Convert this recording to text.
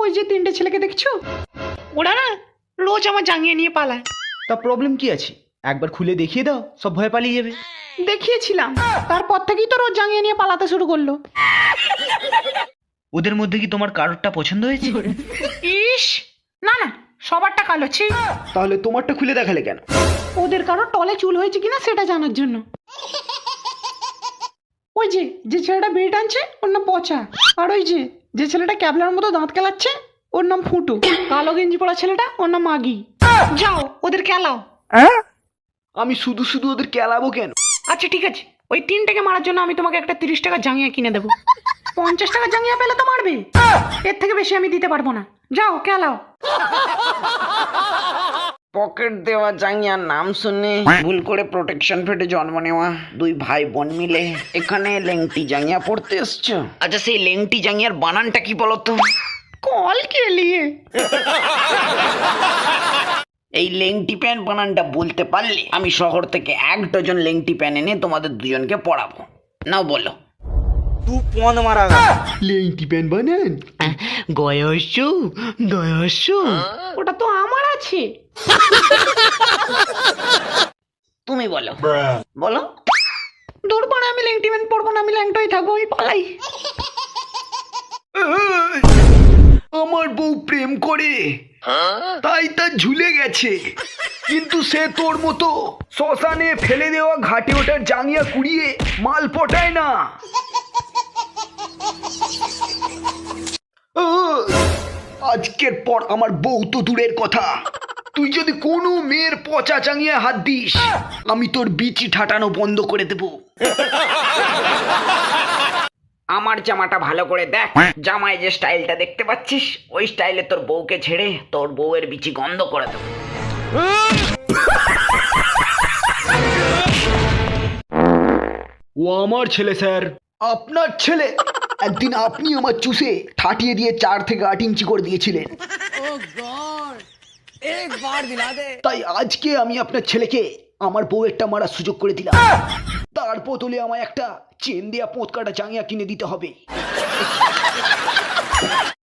ওই যে তিনটে ছেলেকে দেখছো, ওরা না রোজ আমার জাঙ্গিয়ে নিয়ে পালায়। তা প্রবলেম কি আছে? একবার খুলে দেখিয়ে দাও, সব ভয় পালিয়ে যাবে। দেখিয়েছিলাম, তারপর থেকেই তো রোজ জাঙ্গিয়ে নিয়ে পালাতে শুরু করলো। ওদের মধ্যে কি তোমার কারোরটা পছন্দ হয়েছে? ইস, না না, সবারটা কালো ছি। তাহলে তোমারটা খুলে দেখালে কেন? ওদের কারো টলে চুল হয়েছে কিনা সেটা জানার জন্য। ওই যে যে ছেলেটা বিড়ি টানছে ওর নাম পচা, আর ওই যে যে ছেলেটা ক্যাবলার মতো দাঁত কেলাচ্ছে ওর নাম ফুটু, কালো গেঞ্জি পরা ছেলেটা ওর নাম মাগি। যাও ওদের কেলাও। আমি শুধু শুধু ওদের কেলাবো কেন? আচ্ছা ঠিক আছে, ওই তিনটাকে মারার জন্য আমি তোমাকে একটা 30 টাকা জাঙ্গিয়া কিনে দেবো। 50 টাকা জাঙ্গিয়া পেলে তো মারবে, এর থেকে বেশি আমি দিতে পারবো না। যাও কেলাও। পকেট দেওয়া জাঙ্গিয়ার নাম শুনে ভুল করে প্রোটেকশন ফেটে জন্ম নেওয়া দুই ভাই বোন মিলে এখানে লেংটি জাঙ্গিয়া পড়তে এসছো। আচ্ছা সেই লেংটি জাঙ্গিয়ার বানানটা কি বলতো? কল কে লিয়ে? এই লেংটি প্যান্ট বানানটা বলতে পারলে আমি শহর থেকে 1 ডজন লেংটি প্যান্ট এনে তোমাদের দুজনকে পড়াবো। নাও বলো। লেংটি প্যান্ট বানান। গয়সু গয়সু। ওটা তো আমার আছে। তুমি বলো বলো। দূর পরে আমি লেংটি প্যান্ট পরবো না, আমি ল্যাংটাই থাকবো, আমি পালাই। আমার বউ প্রেম করে, তাই তা ঝুলে গেছে, কিন্তু সে তোর মতো শ্মশানে ফেলে দেওয়া ঘাটে ওঠার জাঙ্গিয়া কুড়িয়ে মাল পটায় না। আজকের পর আমার বউ তো দূরের কথা, তুই যদি কোনো মেয়ের পচা চাঙিয়ে হাত দিস আমি তোর বিচি ঠাটানো বন্ধ করে দেব। আমার জামাটা ভালো করে দেখ, জামায় যে স্টাইলটা দেখতে পাচ্ছিস ওই স্টাইলে তোর বউকে ছেড়ে তোর বউয়ের বিচি গন্ধ করে দেবো। ও আমার ছেলে স্যার। আপনার ছেলে? একদিন আপনি আমার চুষে ঠাটিয়ে দিয়ে 4 থেকে 8 ইঞ্চি করে দিয়েছিলেন। তাই আজকে আমি আপনার ছেলেকে আমার বউয়েরটা মারার সুযোগ করে দিলাম। তার বদলে আমায় একটা চেন দেয়া পোঁত কাটা জাঙ্গিয়া কিনে দিতে হবে।